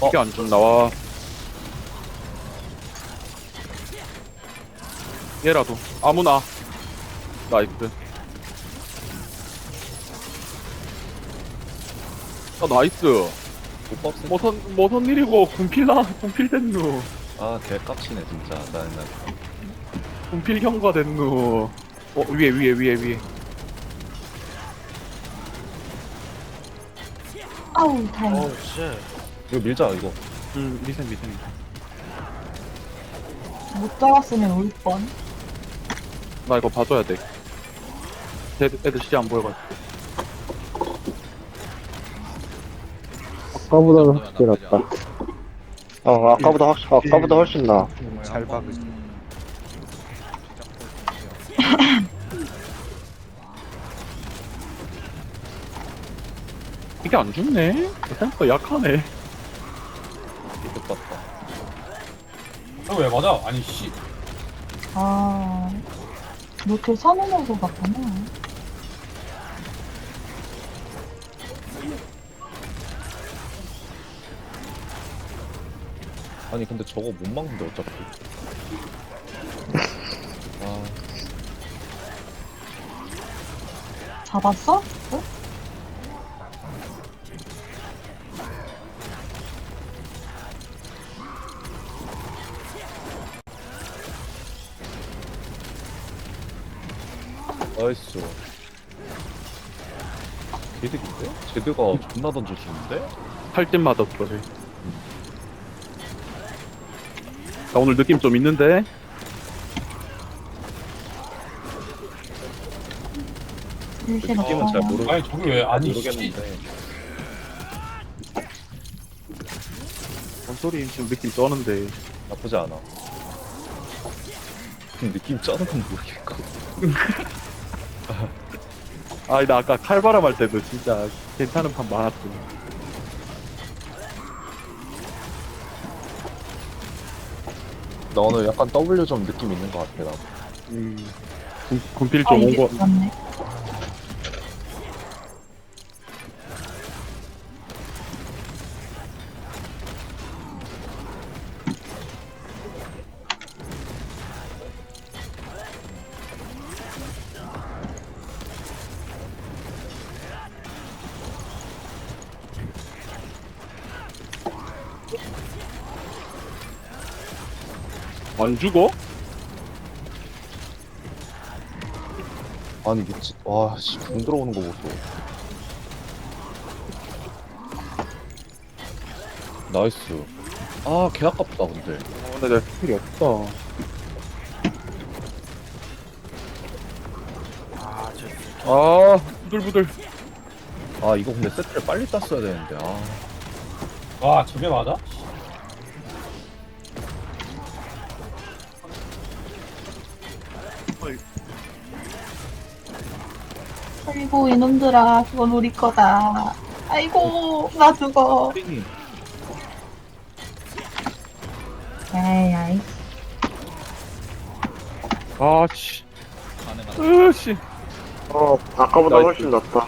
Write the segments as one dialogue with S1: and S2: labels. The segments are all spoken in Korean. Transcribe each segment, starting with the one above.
S1: 이게 안 좀 나와. 얘라도 아무나. 나이스. 나이스.
S2: 못 박스.
S1: 뭐선 일이고 군필 됐누.
S2: 아, 개 깝치네, 진짜. 나.
S1: 군필 경과 됐누. 위에.
S3: 아우, 다행이다.
S4: 어우 씨.
S2: 이거 밀자, 이거.
S1: 리센.
S3: 못 잡았으면 울 뻔.
S1: 나 이거 봐줘야 돼. 애들 시야 안 보여가지고.
S5: 아까보다는 확실히 낫다. 아까보다 훨씬 나아.
S4: 잘 박으지.
S1: 이게 안 죽네? 생각보다 약하네.
S2: 이거 봤다.
S6: 왜 맞아? 아니 씨.
S3: 아, 이렇게 선언하고 갔구나.
S2: 아니, 근데 저거 못 막는데, 어차피. 아,
S3: 잡았어? 응?
S2: 나이스. 개득인데? 제드가 존나 던져주는데?
S1: 할 때마다 그러네. 나 오늘 느낌 좀 있는데?
S3: 일신
S2: 느낌은 잘
S3: 없어요.
S2: 모르,
S6: 아니 저기 왜 아니 씨.
S2: 모르겠는데.
S1: 뭔 소리 지금 느낌 쩌는데.
S2: 나쁘지 않아. 느낌 짜는 건 모르겠고.
S1: 나 아까 칼바람 할 때도 진짜 괜찮은 판 많았어.
S2: 나 오늘 약간 W 좀 느낌 있는 것 같아, 나.
S1: 군필
S3: 아,
S1: 좀
S3: 이게
S1: 온거.
S3: 맞네.
S1: 안 죽어?
S2: 아니, 미치, 와, 씨, 공 들어오는 거 보소. 나이스. 아, 개 아깝다, 근데.
S1: 근데 내가 스킬이 없어. 부들부들.
S2: 아, 이거 근데 세트를 빨리 땄어야 되는데, 아.
S6: 와 저게 맞아?
S3: 아이고, 이놈들아, 그건 우리 거다. 아이고, 나 죽어.
S2: 띵이.
S3: 에이,
S1: 씨. 씨.
S5: 아까보다
S1: 나이스.
S5: 훨씬 낫다.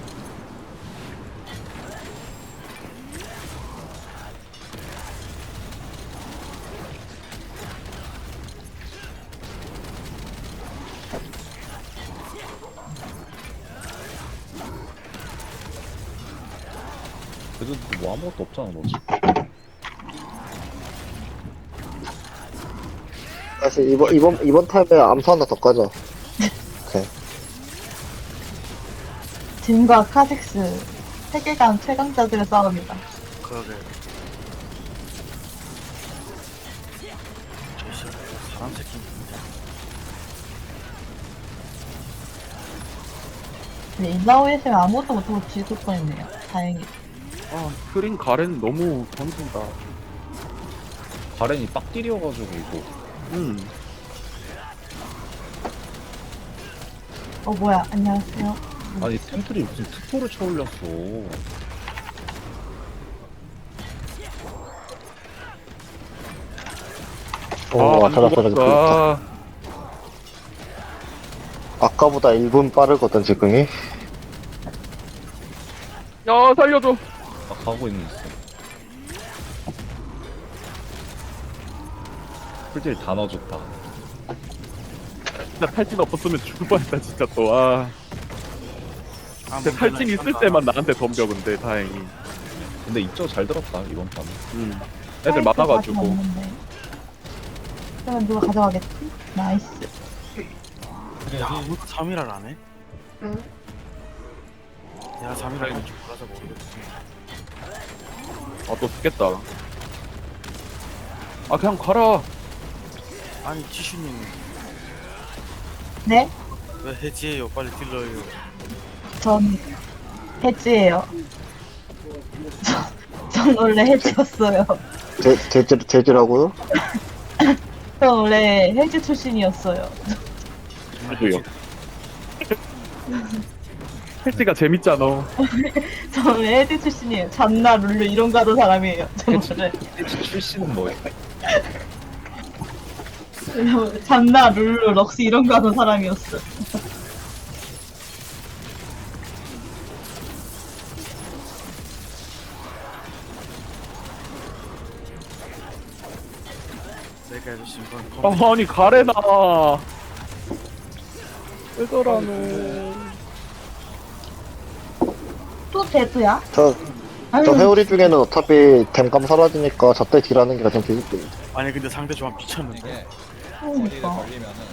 S2: 그래도 뭐 아무것도 없잖아, 너지.
S5: 사실 이번 타임에 암수 하나 더 까자. 오케이.
S3: 짐과 카직스, 세계관 최강자들의 싸움이다.
S4: 그러게. 저 사람 새끼.
S3: 근데 인라오에서 아무것도 못하고 죽을 뻔했네요. 다행히.
S1: 크린 가렌 너무 던진다.
S2: 가렌이 빡딜이어가지고, 이거.
S3: 뭐야, 안녕하세요.
S2: 아니, 템플이 무슨 특포를 쳐올렸어.
S5: 오,
S1: 안
S5: 찾았어.
S1: 죽었어.
S5: 아까보다 1분 빠르거든, 지금이.
S1: 야, 살려줘.
S2: 아, 가고 있는 있어. 풀딜 다 넣어줬다.
S1: 진짜 탈진 없었으면 죽을 뻔했다 진짜 또. 아.
S4: 아,
S1: 근데 탈진 있을 때만 나한테 덤벼 근데 다행히.
S2: 근데 입저 잘 들었다 이번 판.
S1: 애들 많아가지고.
S3: 그러면 누가 가져가겠지? 나이스.
S4: 야, 아무도 3일을 안 해? 응. 내가 3일 할줄 몰라서 모르겠지.
S1: 아 또 죽겠다. 아 그냥 가라.
S4: 아니, 지슈님
S3: 네?
S4: 왜 해지해요? 빨리 딜러요.
S3: 전 해지예요. 전 원래 해지였어요.
S5: 제지라고요?
S3: 전 원래 해지 출신이었어요.
S1: 저도요. 패치가 재밌잖아.
S3: 전 원래 해지 출신이에요. 잔나 룰루 이런 거 하던 사람이에요. 전 원래
S2: 해치 출신은 뭐야?
S3: 잔나 룰루 럭스 이런 거 하던 사람이었어.
S4: 내가 해주신 건
S1: 아니 가래나. 왜 저러노.
S3: 또 제트야?
S5: 저 회오리 중에는 어차피 댐감 사라지니까 저때 딜하는 게 가장 재밌거든요.
S4: 아니 근데 상대 조합 미쳤는데.
S3: 그러니까.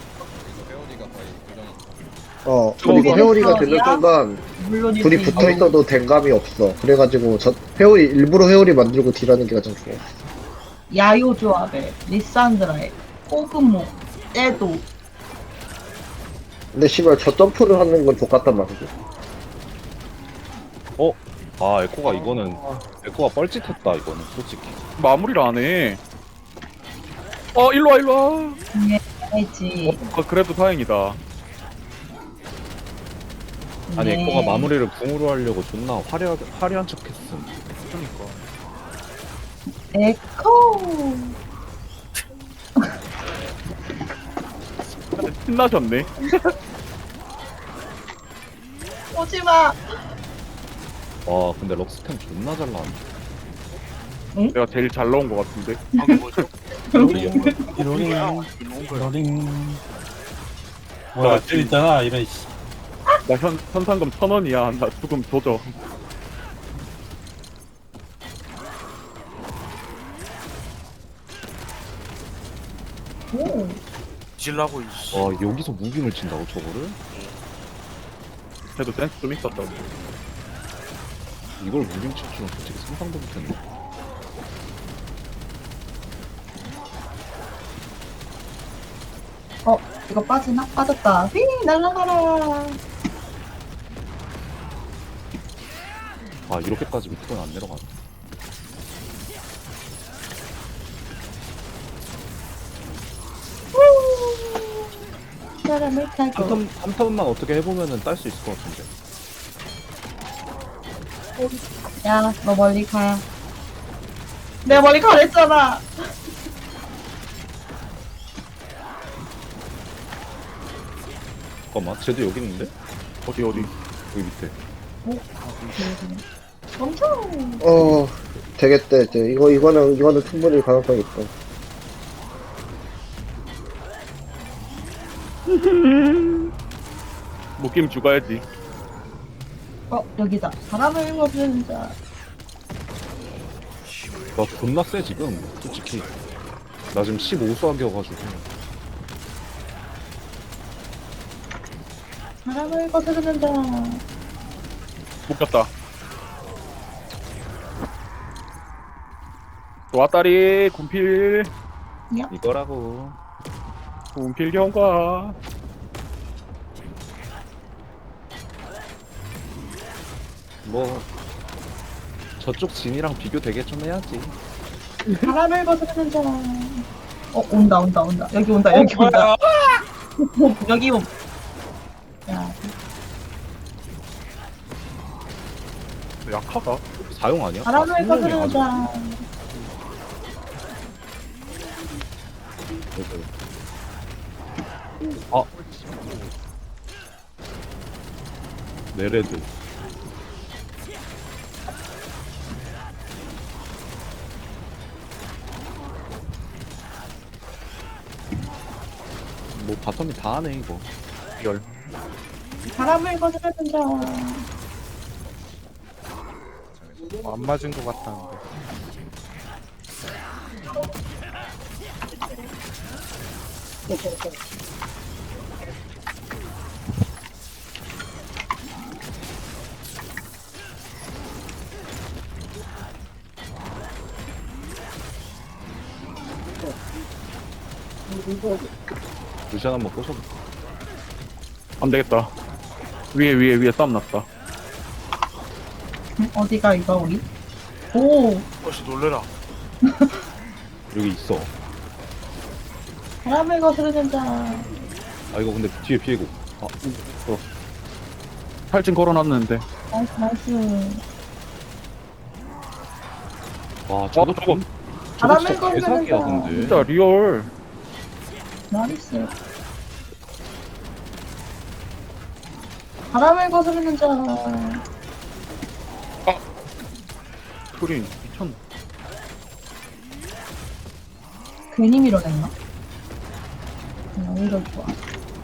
S5: 그리고 회오리가 되는
S3: 저기야?
S5: 순간
S3: 물론이지.
S5: 둘이 붙어 있어도 댐감이 없어. 그래가지고 일부러 회오리 만들고 딜하는 게 가장 좋아.
S3: 야요 조합에 리산드라에 코그모, 에도.
S5: 근데 씨발 저 점프를 하는 건 족같단 말이지.
S2: 아 에코가 이거는 에코가 뻘짓했다 이거는 솔직히.
S1: 마무리를 안 해. 일로 와 일로 와.
S3: 해지.
S1: 그래도 다행이다.
S2: 아니
S3: 네.
S2: 에코가 마무리를 궁으로 하려고 존나 화려한 척했음.
S1: 그러니까.
S3: 에코.
S1: 신나셨네.
S3: 오지마.
S2: 와 근데 럭스템 존나 잘 나왔네.
S1: 내가 제일 잘 나온 것 같은데.
S4: 방금 뭐죠?
S6: 로링. 뭐야,
S1: 나
S6: 저 있잖아, 이런 씨.
S1: 나 현상금 1,000원이야. 나 조금 조져.
S3: 오.
S4: 뒤질라고 이씨.
S2: 와 여기서 무빙을 친다고 저거를?
S1: 그래도 센스 좀 있었다고.
S2: 이걸 무빙 칠 줄은 솔직히 상상도 못했네.
S3: 이거 빠지나? 빠졌다. 휘 날아가라.
S2: 아 이렇게까지 밑으로는 안 내려가네.
S3: 사람을 타고.
S2: 한 턴만 어떻게 해보면은 딸 수 있을 것 같은데.
S3: 야, 너 멀리 가. 내가 멀리 가랬잖아.
S2: 잠깐만 쟤도 여기 있는데?
S1: 어디
S2: 여기 밑에.
S3: 멈춰.
S5: 되겠다 이제. 이거는 충분히 가능성이 있어.
S1: 묶임 죽어야지.
S3: 여기다. 바람을 먹는 자.
S2: 나 존나 세 지금 솔직히. 나 지금 15수학이어가지고.
S3: 바람을 거스르는 자.
S1: 묶였다. 왔다리 군필.
S2: 이거라고.
S1: 군필 경과.
S2: 뭐 저쪽 진이랑 비교 되게 좀 해야지.
S3: 바람을 거스르는 자. 온다. 여기 온다. 여기 옴. 야,
S1: 약하다.
S2: 사용 아니야?
S3: 바람을
S2: 아,
S3: 거스르는
S2: 생명이
S3: 자.
S2: 아 네레드. 뭐 바텀이 다 하네 이거.
S3: 바람을 거스르는 자.
S7: 안 맞은 것 같다는데.
S2: 루시안 한번 꼬셔도.
S1: 안 되겠다. 위에 싸움 났다.
S3: 응? 어디가 이거 우리? 오,
S4: 어씨 놀래라.
S2: 여기 있어.
S3: 바람을 거스르는 자.
S2: 아 이거 근데 뒤에 피해고. 아
S1: 탈진 걸어놨는데.
S3: 나이스, 나이스.
S2: 와 저거
S1: 저거.
S3: 바람을
S2: 진짜
S3: 거스르는
S2: 개사기야
S3: 자.
S2: 근데.
S1: 진짜 리얼.
S3: 나이스. 바람을 거스르는 자.
S1: 소리 미쳤나?
S3: 괜히 밀어냈나? 오히려 좋아.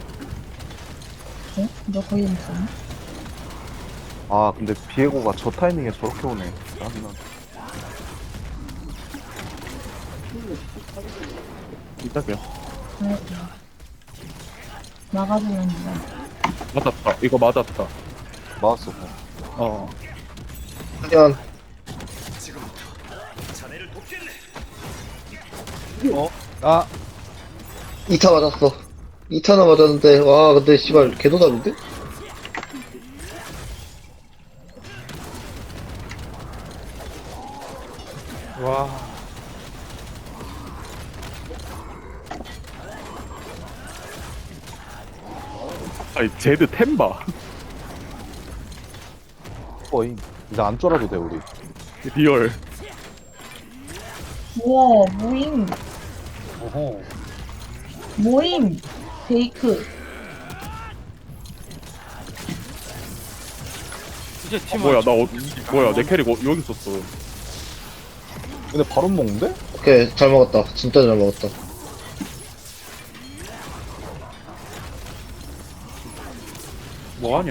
S3: 어? 너 거기 있었나?
S2: 아 근데 비에고가 저 타이밍에 저렇게 오네. 짜증나.
S1: 이따게요.
S3: 네. 나가주면 돼.
S1: 맞았다. 이거 맞았다.
S2: 맞았어.
S1: 어.
S5: 그냥
S7: 아
S5: 2타 맞았어. 2타나 맞았는데 와 근데 씨발 개도답인데?
S7: 와.
S1: 아니 제드 템바.
S2: 거의 이제 안 쫄아도 돼 우리.
S1: 리얼.
S3: 우와, 모임.
S6: 어허.
S3: 모임. 베이크.
S4: 이제 팀
S1: 뭐야 뭐야 내 캐릭 여기 있었어.
S2: 근데 바로 먹는데?
S5: 오케이 잘 먹었다. 진짜 잘 먹었다.
S1: 뭐하냐?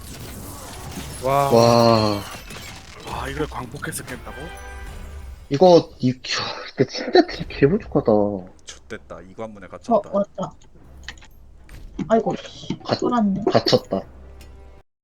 S7: 와.
S5: 와
S4: 아 이걸 광폭해서 깼다고?
S5: 이거 진짜 개부족하다.
S8: 좋됐다. 이관문에
S3: 어,
S8: 갇혔다.
S3: 왔다. 아이고, 씨.
S5: 가-
S3: 쏠았네.
S5: 갇혔다.